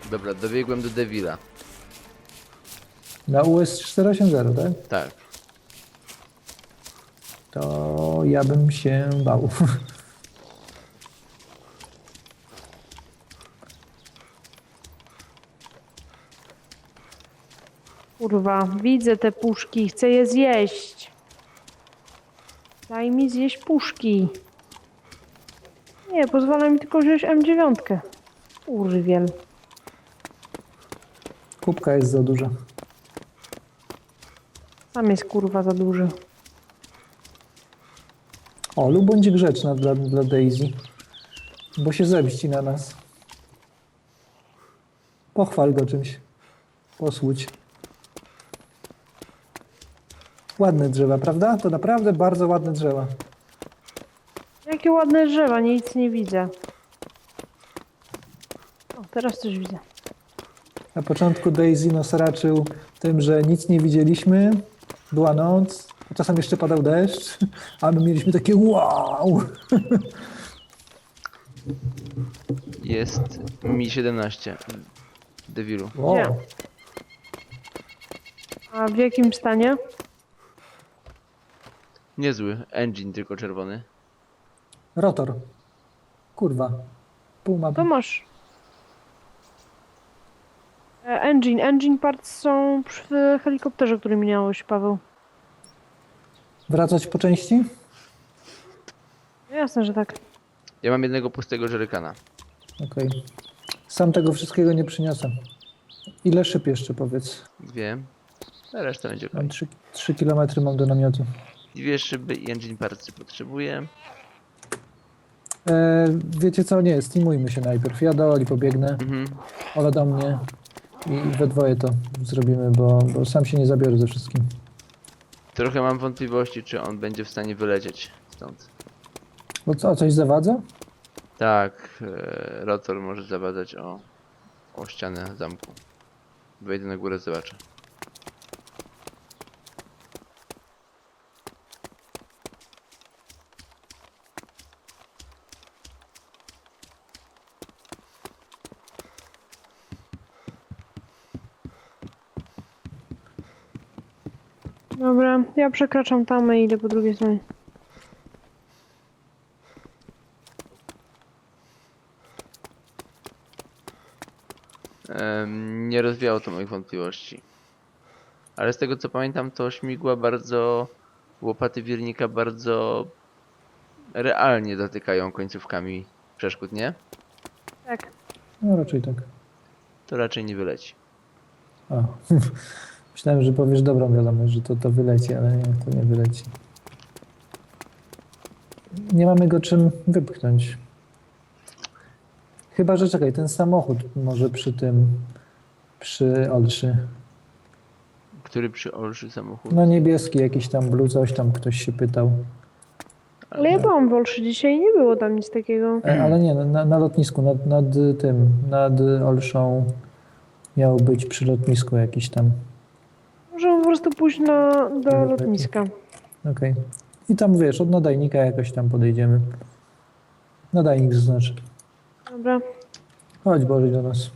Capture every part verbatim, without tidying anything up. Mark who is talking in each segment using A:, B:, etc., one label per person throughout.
A: Dobra, dobiegłem do Devila.
B: Na U S cztery osiem zero, tak?
A: Tak.
B: To ja bym się bał.
C: Kurwa, widzę te puszki, chcę je zjeść. Daj mi zjeść puszki. Nie, pozwala mi tylko wziąć M dziewięć. Urwiel.
B: Kubka jest za duża.
C: Sam jest kurwa za duży.
B: O, lub bądź grzeczna dla, dla Daisy. Bo się zemści na nas. Pochwal go czymś. Posłuć. Ładne drzewa, prawda? To naprawdę bardzo ładne drzewa.
C: Jakie ładne drzewa, nic nie widzę. O, teraz coś widzę.
B: Na początku Daisy nas raczył tym, że nic nie widzieliśmy. Była noc, a czasem jeszcze padał deszcz, a my mieliśmy takie wow!
A: Jest Mi siedemnaście w Devilu.
B: wow.
C: Gdzie? A w jakim stanie?
A: Niezły. Engine tylko czerwony.
B: Rotor. Kurwa. Pół mapy.
C: To masz. E, engine. Engine parts są przy helikopterze, który minąłeś, Paweł.
B: Wracać po części?
C: No jasne, że tak.
A: Ja mam jednego pustego żerykana.
B: Okej. Sam tego wszystkiego nie przyniosę. Ile szyb jeszcze powiedz?
A: Dwie. A reszta będzie
B: Mam
A: okej.
B: trzy kilometry mam do namiotu.
A: Dwie szyby i engine partsy potrzebuję.
B: E, wiecie co? Nie, steamujmy się najpierw. Ja do Oli pobiegnę,
A: Mhm.
B: Ola do mnie i we dwoje to zrobimy, bo, bo sam się nie zabiorę ze wszystkim.
A: Trochę mam wątpliwości, czy on będzie w stanie wylecieć stąd.
B: Bo co, coś zawadza?
A: Tak, e, rotor może zawadzać o, o ścianę zamku. Wejdę na górę, zobaczę.
C: Dobra, ja przekraczam tamę i idę po drugiej stronie.
A: Em, nie rozwiało to moich wątpliwości. Ale z tego co pamiętam, to śmigła bardzo, łopaty wirnika bardzo realnie dotykają końcówkami przeszkód, nie?
C: Tak.
B: No raczej tak.
A: To raczej nie wyleci.
B: A. Myślałem, że powiesz dobrą wiadomość, że to, to wyleci, ale nie, to nie wyleci. Nie mamy go czym wypchnąć. Chyba, że czekaj, ten samochód może przy tym, przy Olszy.
A: Który przy Olszy samochód?
B: No niebieski jakiś tam blue, coś tam ktoś się pytał.
C: Ale ja byłam w Olszy dzisiaj i nie było tam nic takiego.
B: E, ale nie, no, na, na lotnisku, nad, nad tym, nad Olszą miał być przy lotnisku jakiś tam.
C: Możemy po prostu pójść na, do
B: Dobra,
C: lotniska.
B: Okej. I tam wiesz, od nadajnika jakoś tam podejdziemy. Nadajnik zaznaczy.
C: Dobra.
B: Chodź Boże do nas.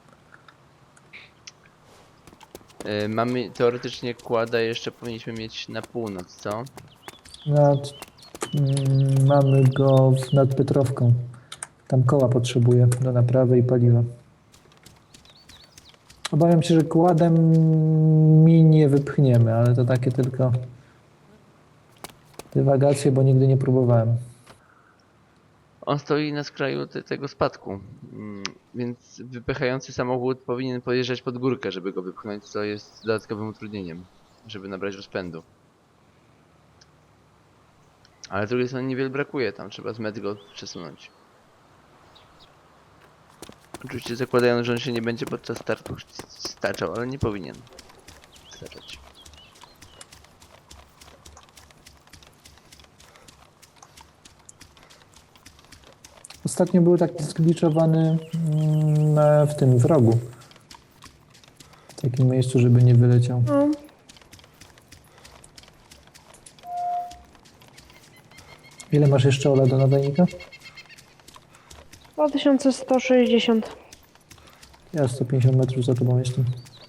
A: E, mamy teoretycznie kłada jeszcze powinniśmy mieć na północ, co?
B: Nad, mm, mamy go w, nad Piotrowką. Tam koła potrzebuje do naprawy i paliwa. Obawiam się, że kładem mi nie wypchniemy, ale to takie tylko dywagacje, bo nigdy nie próbowałem.
A: On stoi na skraju te, tego spadku, mm, więc wypychający samochód powinien podjeżdżać pod górkę, żeby go wypchnąć, co jest dodatkowym utrudnieniem, żeby nabrać rozpędu. Ale z drugiej strony niewiele brakuje, tam trzeba z metr go przesunąć. Oczywiście zakładając, że on się nie będzie podczas startu staczał, ale nie powinien staczać.
B: Ostatnio był taki zgliczowany mm, na- w tym w rogu. W takim miejscu, żeby nie wyleciał.
C: No.
B: Ile masz jeszcze Ola do nadajnika?
C: dwa tysiące sto sześćdziesiąt.
B: Ja sto pięćdziesiąt metrów za tobą jestem.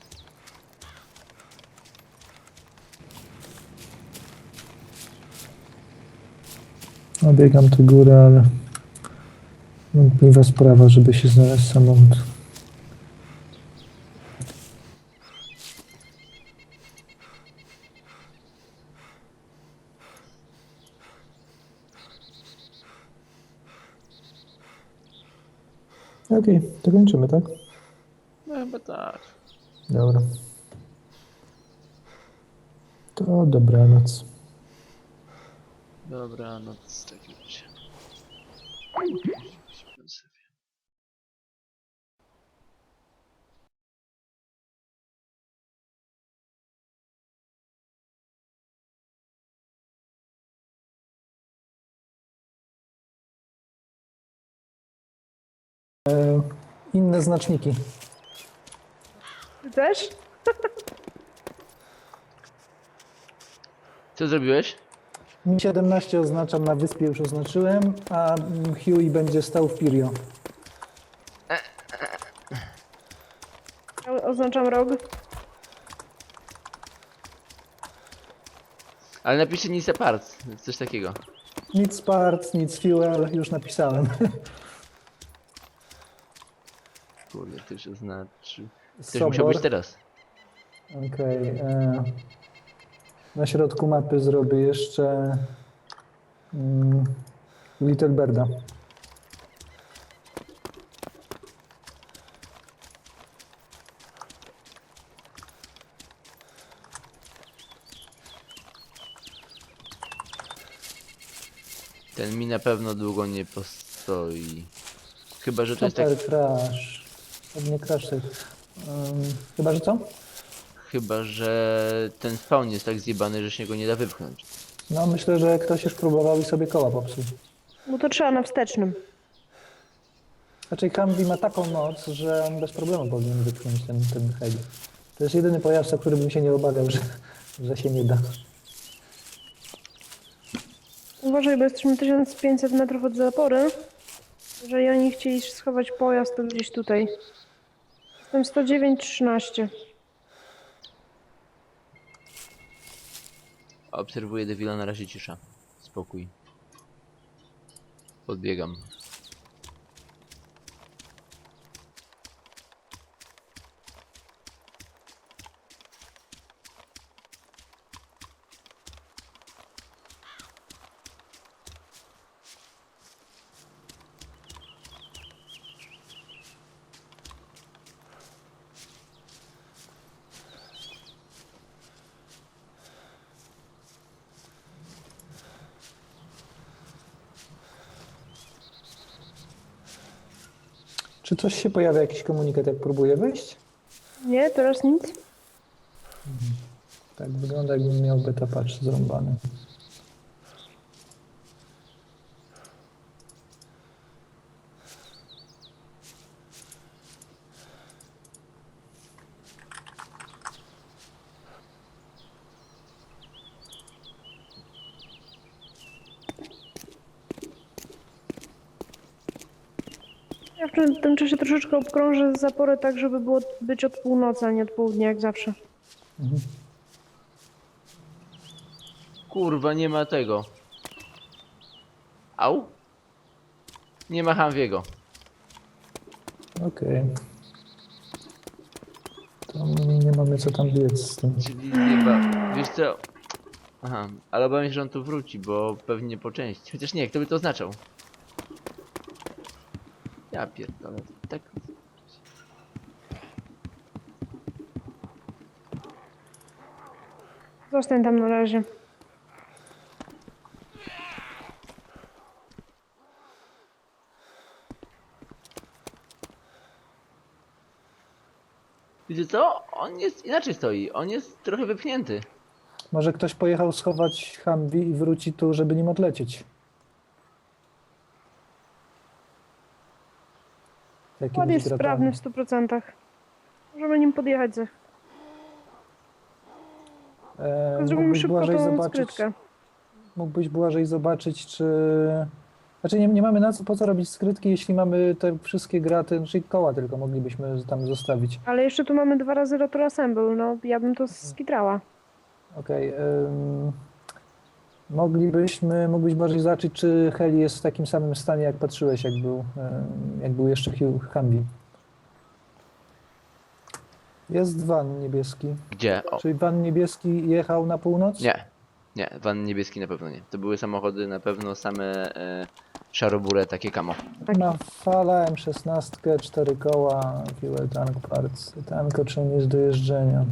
B: Obiegam tę górę, ale wątpliwa sprawa, żeby się znaleźć samochód. Okej, to kończymy, tak?
A: No chyba tak.
B: Dobra. To dobranoc.
A: Dobra, no to w takim razie. Śpię sobie.
B: E, inne znaczniki.
C: Ty też?
A: Co zrobiłeś?
B: Mi siedemnaście oznaczam na wyspie, już oznaczyłem, a Huey będzie stał w Pirio.
C: Ja oznaczam rog.
A: Ale napiszcie nic apart, coś takiego.
B: Nic part, nic fuel, już napisałem.
A: Kurde, to się znaczy. Ktoś musiał być teraz.
B: Okej. e, Na środku mapy zrobię jeszcze mm, Little Birda.
A: Ten mi na pewno długo nie postoi. Chyba, że to jest tak.
B: Super crash. Pewnie crash. Um, chyba, że co?
A: Chyba, że ten spawn jest tak zjebany, że się go nie da wypchnąć.
B: No myślę, że ktoś już próbował i sobie koła popsuł.
C: Bo to trzeba na wstecznym.
B: Raczej Humvee ma taką moc, że on bez problemu powinien wypchnąć ten, ten heli. To jest jedyny pojazd, o którym bym się nie obawiał, że, że się nie da.
C: Uważaj, bo jesteśmy tysiąc pięćset metrów od zapory. Jeżeli oni chcieli schować pojazd, to gdzieś tutaj. Jestem sto dziewięć trzynaście.
A: Obserwuję Devila, na razie cisza. Spokój. Podbiegam.
B: Czy coś się pojawia, jakiś komunikat, jak próbuję wyjść?
C: Nie, teraz nic.
B: Tak wygląda, jakbym miał beta patch zrąbany.
C: Ja w tym- tym czasie troszeczkę obkrążę zaporę tak, żeby było być od północy, a nie od południa, jak zawsze.
B: Mhm.
A: Kurwa, nie ma tego. Au? Nie ma Humvee'ego.
B: Okej. To nie mamy co tam biec z tym.
A: Czyli nie ma. Wiesz co? Aha, ale obawiam się, że on tu wróci, bo pewnie po części. Chociaż nie, kto by to oznaczał? Ja pierdolę, tak.
C: Zostań tam na razie.
A: Wiecie co? On jest inaczej stoi. On jest trochę wypchnięty.
B: Może ktoś pojechał schować Humvee i wróci tu, żeby nim odlecieć. Jakimiś
C: Skład jest
B: gratami.
C: sprawny w stu procentach. Możemy nim podjechać za.
B: E,
C: Tylko zrobimy
B: mógłbyś
C: szybko
B: Błażej
C: tą
B: zobaczyć,
C: skrytkę.
B: mógłbyś Błażej zobaczyć, czy Znaczy nie, nie mamy na co, po co robić skrytki, jeśli mamy te wszystkie graty, czyli koła tylko moglibyśmy tam zostawić.
C: Ale jeszcze tu mamy dwa razy rotor assemble, no ja bym to skitrała.
B: Okej. ym, moglibyśmy, mógłbyś bardziej zobaczyć, czy Heli jest w takim samym stanie, jak patrzyłeś, jak był, ym, jak był jeszcze Hugh Humvee. Jest van niebieski.
A: Gdzie? O,
B: Czyli van niebieski jechał na północ?
A: nie. Nie, van niebieski na pewno nie. To były samochody na pewno same e, szarobure, takie kamo.
B: Ma fala, M szesnaście, cztery koła, fuel tank parts. Tank otrzymuje jest do jeżdżenia.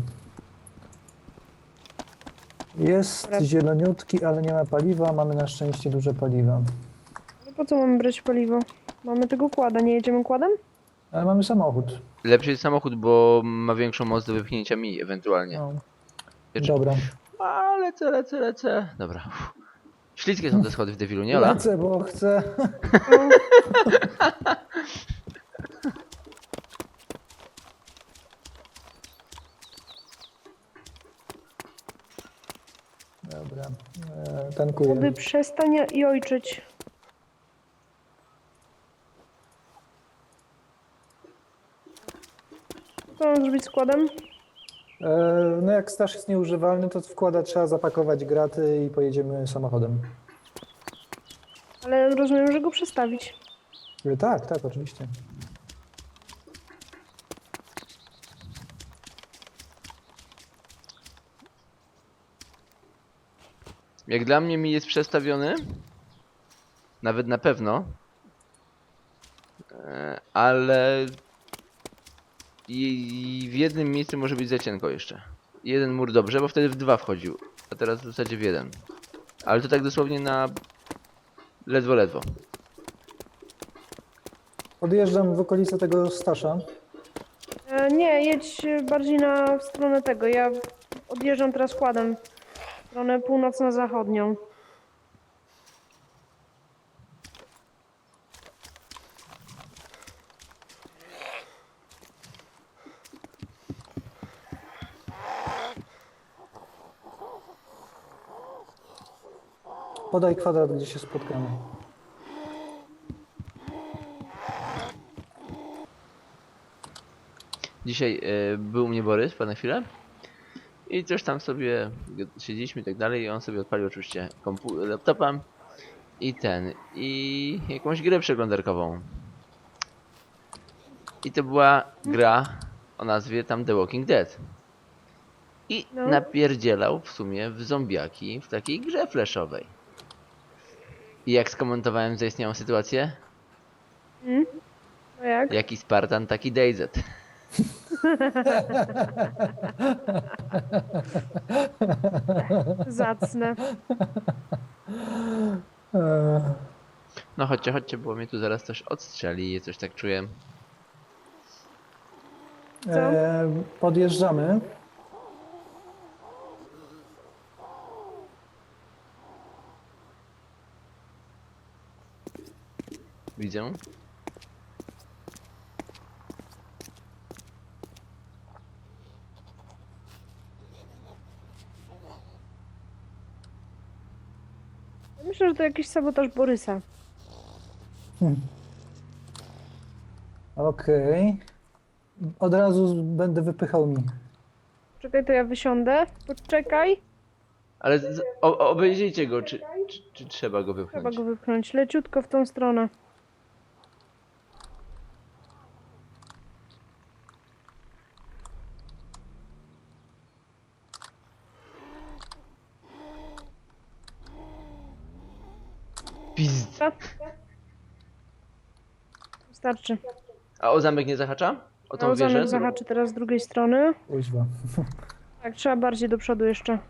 B: Jest
C: Dobra.
B: zieloniutki, ale nie ma paliwa. Mamy na szczęście duże paliwa.
C: No po co mamy brać paliwo? Mamy tego kłada, nie jedziemy kładem?
B: Ale mamy samochód.
A: Lepszy jest samochód, bo ma większą moc do wypchnięcia mi ewentualnie.
B: No.
A: Wiecie-
B: Dobra.
A: A, lecę, lecę, lecę. Dobra. Uff. Śliskie są te schody w Devilu, nie Ola?
B: Lecę, bo chcę.
C: No,
B: Dobra. E, tankuję.
C: wody przestań i ojczyć. Co mam zrobić z kładem?
B: E, no jak staż jest nieużywalny, to wkłada trzeba zapakować graty i pojedziemy samochodem.
C: Ale rozumiem, że go przestawić.
B: E, tak, tak, oczywiście.
A: Jak dla mnie mi jest przestawiony. Nawet na pewno. E, ale i w jednym miejscu może być za cienko jeszcze. Jeden mur dobrze, bo wtedy w dwa wchodził. A teraz w zasadzie w jeden. Ale to tak dosłownie na ledwo, ledwo.
B: Podjeżdżam w okolice tego stasza.
C: E, nie, jedź bardziej na w stronę tego. Ja odjeżdżam teraz kładem. W stronę północno-zachodnią.
B: Podaj kwadrat, gdzie się spotkamy.
A: Dzisiaj e, był u mnie Borys na chwilę. I coś tam sobie siedzieliśmy i tak dalej. I on sobie odpalił oczywiście kompu- laptopa. I ten. I jakąś grę przeglądarkową. I to była gra o nazwie tam The Walking Dead. I
C: No.
A: napierdzielał w sumie w zombiaki w takiej grze flashowej. I jak skomentowałem zaistniałą sytuację?
C: Mm? No jak?
A: Jaki Spartan, taki D Z.
C: Zacne.
B: E,
A: No chodźcie, chodźcie, bo mnie tu zaraz coś odstrzeli, coś tak czuję.
B: e, podjeżdżamy.
A: Widzę.
C: Myślę, że to jakiś sabotaż Borysa.
B: Okej. Od razu z- będę wypychał mi.
C: Czekaj, to ja wysiądę. Poczekaj.
A: Ale z, o, obejrzyjcie go, czy, czy, czy trzeba go wypchnąć.
C: Trzeba go wypchnąć. Leciutko w tą stronę.
A: Pizd.
C: Dobra. Wystarczy.
A: A o zamek nie zahacza? O tą
C: No,
A: wieżę?
C: zamek zahaczy teraz z drugiej strony.
B: Kuźwa.
C: Tak, trzeba bardziej do przodu jeszcze.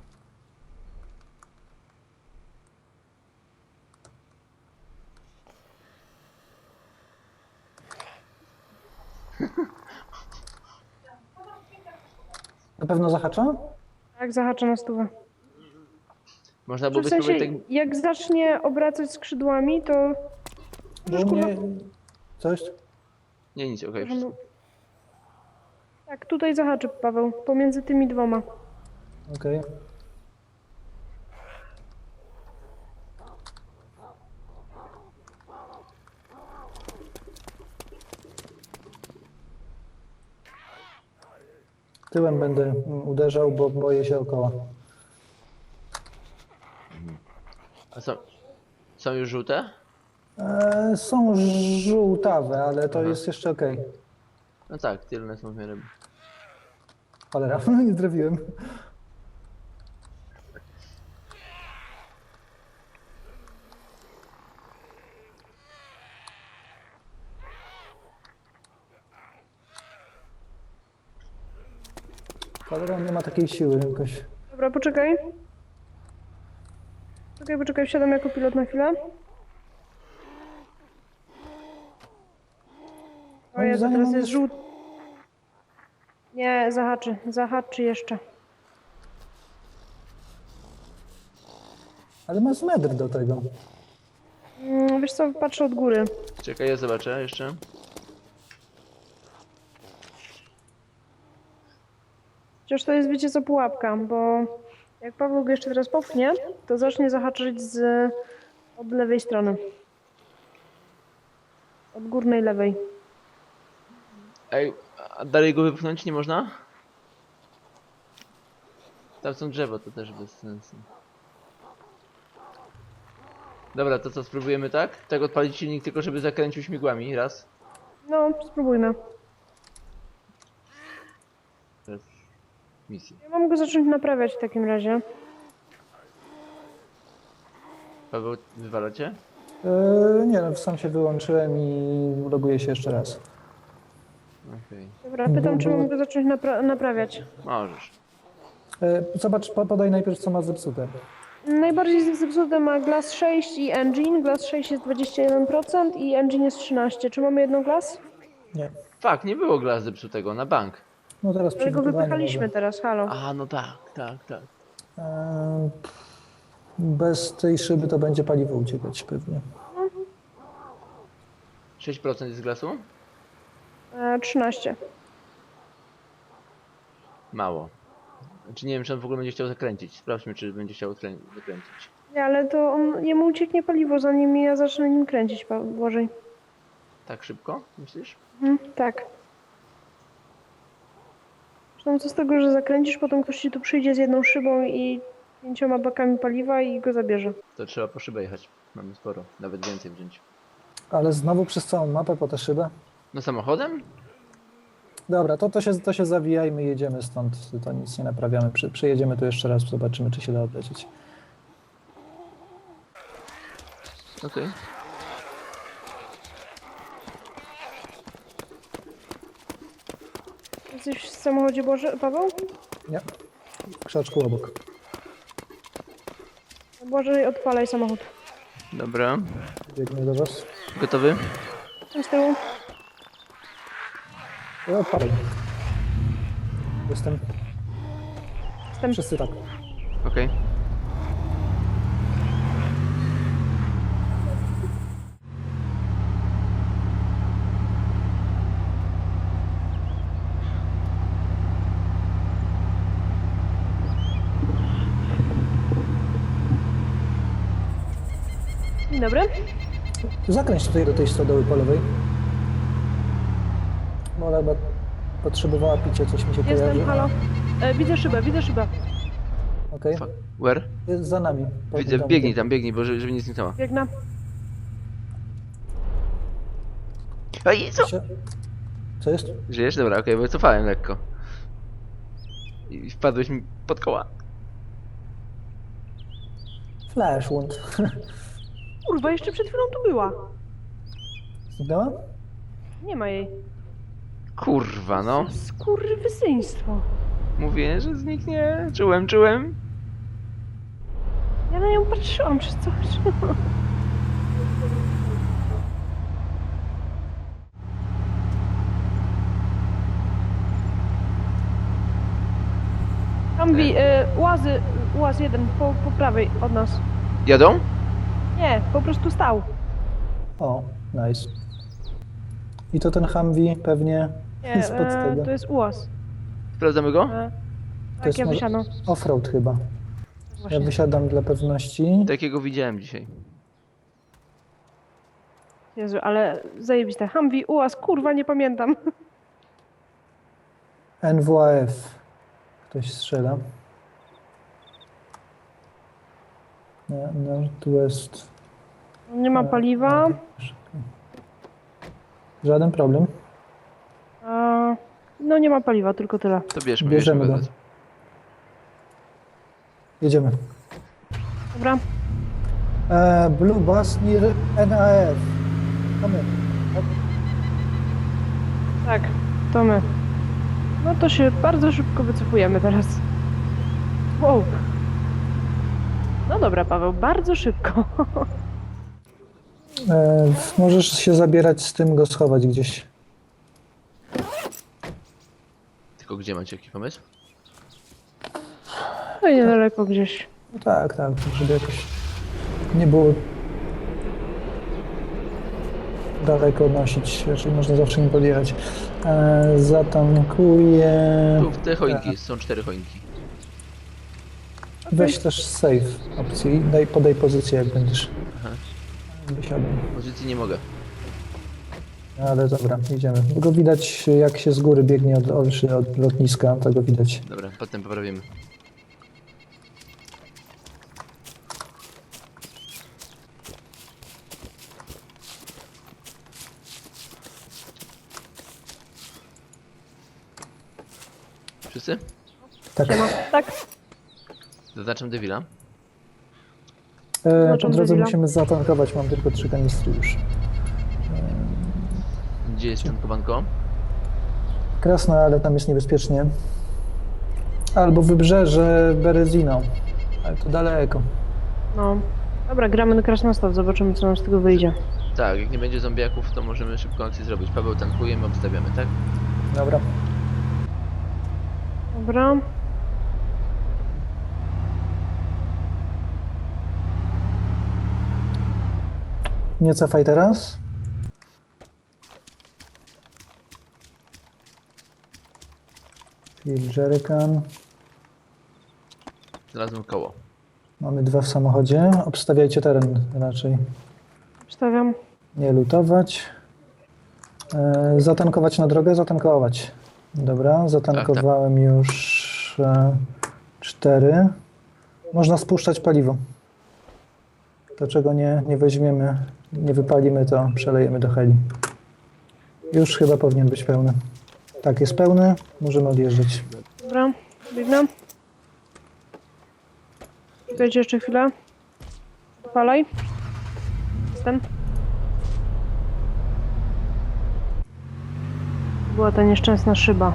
B: Na pewno zahacza?
C: Tak, zahacza na stówę.
A: Można
C: Czy
A: byłoby
C: w sensie,
A: spróbować tak...
C: jak zacznie obracać skrzydłami, to...
B: Bo
C: Możesz, kurwa,
B: mnie... Coś?
A: Nie, nic, okej,
C: możemy-
A: wszystko.
C: Tak, tutaj zahaczy, Paweł. Pomiędzy tymi dwoma.
B: Okej. Tyłem będę mm, uderzał, bo boję się o koła.
A: A są, są już żółte?
B: E, są żółtawe, ale to
A: Aha.
B: jest jeszcze okej.
A: No tak, tylne są w miarę.
B: Cholera, nie trafiłem. Cholera, on nie ma takiej siły jakoś.
C: Dobra, poczekaj. Poczekaj, poczekaj, wsiadam jako pilot na chwilę. O
B: Moim
C: Jezu,
B: zdaniem
C: teraz
B: on
C: jest
B: jest-
C: żółty. Nie, zahaczy, zahaczy jeszcze.
B: Ale ma z metr do tego.
C: Mm, wiesz co, patrzę od góry.
A: Czekaj, ja zobaczę jeszcze.
C: Chociaż to jest, wiecie co, pułapka, bo jak Paweł go jeszcze teraz popchnie, to zacznie zahaczyć z od lewej strony. Od górnej lewej.
A: Ej, a dalej go wypchnąć nie można? Tam są drzewa, to też bez sensu. Dobra, to co, spróbujemy tak? Tak odpalić silnik tylko, żeby zakręcił śmigłami, raz.
C: No, spróbujmy.
A: Teraz misję.
C: Ja mam go zacząć naprawiać w takim razie.
A: Paweł, wywala cię?
B: E, nie no, sam się wyłączyłem i loguję się jeszcze raz.
A: Okej,
C: Dobra, pytam, czy mam go zacząć napra naprawiać.
A: możesz.
B: E, zobacz, po- podaj najpierw co ma zepsute.
C: Najbardziej zepsute ma Glass sześć i Engine. Glass sześć jest dwadzieścia jeden procent i Engine jest trzynaście. Czy mamy jedną Glass?
B: Nie.
A: Fak, nie było glazu zepsutego na bank.
B: No teraz
C: Ale go
B: przygotowanie
C: wypychaliśmy
B: może.
C: teraz, halo.
A: A, no tak, tak, tak.
B: E, bez tej szyby to będzie paliwo uciekać pewnie.
A: sześć procent jest glasu?
C: E, trzynaście.
A: Mało. Znaczy nie wiem, czy on w ogóle będzie chciał zakręcić. Sprawdźmy, czy będzie chciał zakrę- zakręcić.
C: Nie, ale to on, jemu ucieknie paliwo, zanim ja zacznę nim kręcić, Pa- Błażej.
A: Tak szybko, myślisz?
C: Mhm, tak. Zresztą co z tego, że zakręcisz, potem ktoś ci tu przyjdzie z jedną szybą i pięcioma bakami paliwa i go zabierze.
A: To trzeba po szybę jechać. Mamy sporo, nawet więcej wziąć.
B: Ale znowu przez całą mapę po tę szybę?
A: No samochodem?
B: Dobra, to, to, się, to się zawijajmy i jedziemy stąd. To nic nie naprawiamy. Przy, przyjedziemy tu jeszcze raz, zobaczymy, czy się da odlecieć.
A: Okej.
C: Jesteś w samochodzie, Boże, Paweł?
B: Nie, w krzaczku obok.
C: Błażej, odpalaj samochód.
A: Dobra.
B: Biegnę do was.
A: Gotowy?
C: Tam z tyłu.
B: I odpalaj. Jestem.
C: Jestem.
B: Wszyscy tak.
A: Okej.
C: Dzień dobry.
B: Zakręć tutaj do tej stodoły po lewej. Bo ona chyba potrzebowała picia, coś mi się kojarzy.
C: Jestem, halo. E, widzę szybę, widzę szybę.
B: Okej,
A: Fuck. Where?
B: jest za nami. Po
A: Widzę,
B: tym domu.
A: biegnij tam, biegnij, bo żeby, żeby nic nie zniknęło.
C: Biegnę.
A: Ej, co?
B: Się- Co jest?
A: Żyjesz? Dobra, okej, bo cofałem lekko. I wpadłeś mi pod koła.
B: Flash wound.
C: Kurwa, jeszcze przed chwilą tu była.
B: Zniknęła?
C: Nie ma jej.
A: Kurwa, no.
C: Skurwysyństwo.
A: Mówię, że zniknie. Czułem, czułem.
C: Ja na nią patrzyłam przez coś. Humvee, y, łazy, łaz jeden po, po prawej od nas.
A: Jadą?
C: Nie, po prostu stał.
B: O, nice. I to ten Humvee pewnie
C: Nie,
B: spod
C: e,
B: tego.
C: to jest ułaz.
A: Sprawdzamy go?
C: E,
B: To
C: tak,
B: jest
C: ja
B: może
C: wysiadam.
B: offroad chyba. Ja
C: Właśnie.
B: wysiadam dla pewności.
A: Takiego widziałem dzisiaj.
C: Jezu, ale zajebiste. Humvee, ułaz, kurwa, nie pamiętam.
B: N W A F. Ktoś strzela. No, Northwest.
C: Nie ma paliwa.
B: Żaden problem.
C: A, no nie ma paliwa, tylko tyle.
A: To bierzmy,
B: Bierzemy
A: bierzmy
B: go.
A: go.
B: Jedziemy.
C: Dobra.
B: E, Blue Bus near N A F. Mamy.
C: Tak, to my. No to się bardzo szybko wycofujemy teraz. Wow. No dobra, Paweł, bardzo szybko.
B: E, możesz się zabierać z tym, go schować gdzieś.
A: Tylko gdzie macie jaki pomysł?
C: No i niedaleko gdzieś.
B: No tak, tak, żeby jakoś nie było daleko nosić, raczej można zawsze nim podjechać. E, zatankuję.
A: Tu w te choinki jest, są cztery choinki.
B: Weź też save opcji, daj, podaj pozycję jak będziesz.
A: Aha.
B: Wysiadłem.
A: Pozycji nie mogę.
B: Ale dobra, idziemy. Go widać jak się z góry biegnie od, od, od lotniska, tego widać.
A: Dobra, potem poprawimy. Wszyscy?
B: Tak.
C: Siema. Tak.
A: Zaznaczam Devila.
B: E, po
C: Zobaczam
B: drodze
C: Devila.
B: musimy zatankować, mam tylko trzy kanistry już.
A: Gdzie jest tankowanko?
B: Krasna, ale tam jest niebezpiecznie. Albo wybrzeże Berezino, ale to daleko.
C: No. Dobra, gramy na Krasnostaw, zobaczymy co nam z tego wyjdzie.
A: Tak, jak nie będzie zombiaków, to możemy szybką akcję zrobić. Paweł tankuje, my obstawiamy, tak?
B: Dobra.
C: Dobra.
B: Nie cofaj teraz. Field jerrycan.
A: Znalazłem koło.
B: Mamy dwa w samochodzie. Obstawiajcie teren raczej.
C: Wstawiam.
B: Nie lutować. E, zatankować na drogę, zatankować. Dobra, zatankowałem już e, cztery. Można spuszczać paliwo. To czego nie, nie weźmiemy, nie wypalimy, to przelejemy do heli. Już chyba powinien być pełny. Tak, jest pełny. Możemy odjeżdżać.
C: Dobra, biegnę. Czekajcie jeszcze chwilę. Palaj. Jestem. Była ta nieszczęsna szyba.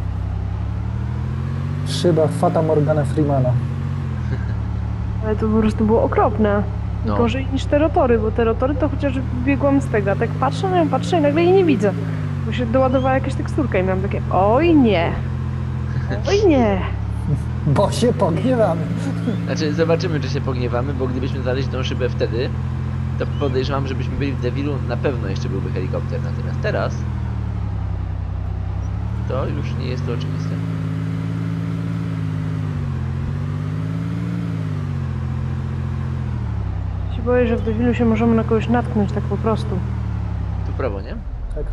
B: Szyba Fata Morgana Freemana.
C: Ale to po prostu było okropne.
A: No.
C: Gorzej niż te rotory, bo te rotory to chociaż biegłam z tego. A tak patrzę na nią, patrzę i nagle jej nie widzę. Bo się doładowała jakaś teksturka i miałam takie oj nie. Oj nie.
B: Bo się pogniewamy.
A: Znaczy, zobaczymy, czy się pogniewamy, bo gdybyśmy znaleźli tą szybę wtedy, to podejrzewam, żebyśmy byli w Devilu, na pewno jeszcze byłby helikopter. Natomiast teraz to już nie jest to oczywiste.
C: Się boję, że w Devilu się możemy na kogoś natknąć tak po prostu.
A: Tu w prawo, nie?
B: Tak.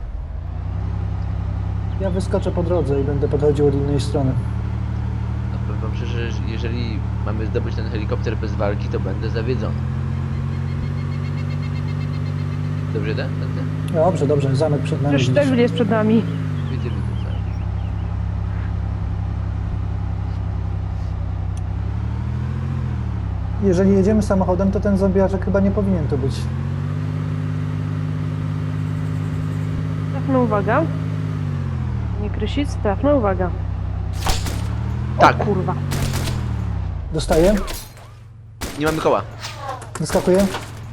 B: Ja wyskoczę po drodze i będę podchodził od innej strony.
A: No powiem wam szczerze, że jeżeli mamy zdobyć ten helikopter bez walki, to będę zawiedzony. Dobrze, tak? Tędy?
B: Dobrze, dobrze, zamek przed nami.
C: Przecież
B: widzisz.
C: Devil jest przed nami.
A: Widzimy to zaraz.
B: Jeżeli jedziemy samochodem, to ten zombiaczek chyba nie powinien tu być.
C: Trafna uwaga. Nie krysic, trafna uwaga.
A: Tak.
C: O kurwa.
B: Dostaję,
A: Nie mamy koła.
B: wyskakuję.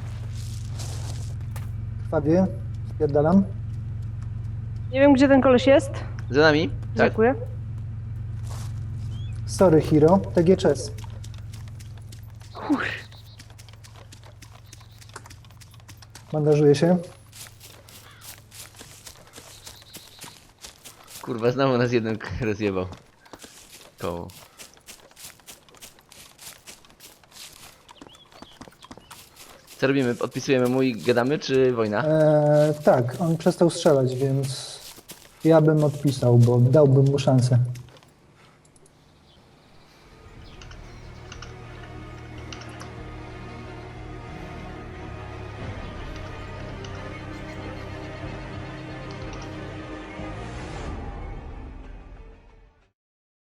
B: Krwawie, spierdalam.
C: Nie wiem gdzie ten koleś jest.
A: Za nami? Tak.
C: Dziękuję.
B: Sorry, Hero, T G Chess.
C: Kur...
B: Bandażuję się.
A: Kurwa, znowu nas jeden k- rozjebał. Koło. Co robimy? Odpisujemy mu i gadamy, czy wojna?
B: Eee, tak, on przestał strzelać, więc ja bym odpisał, bo dałbym mu szansę.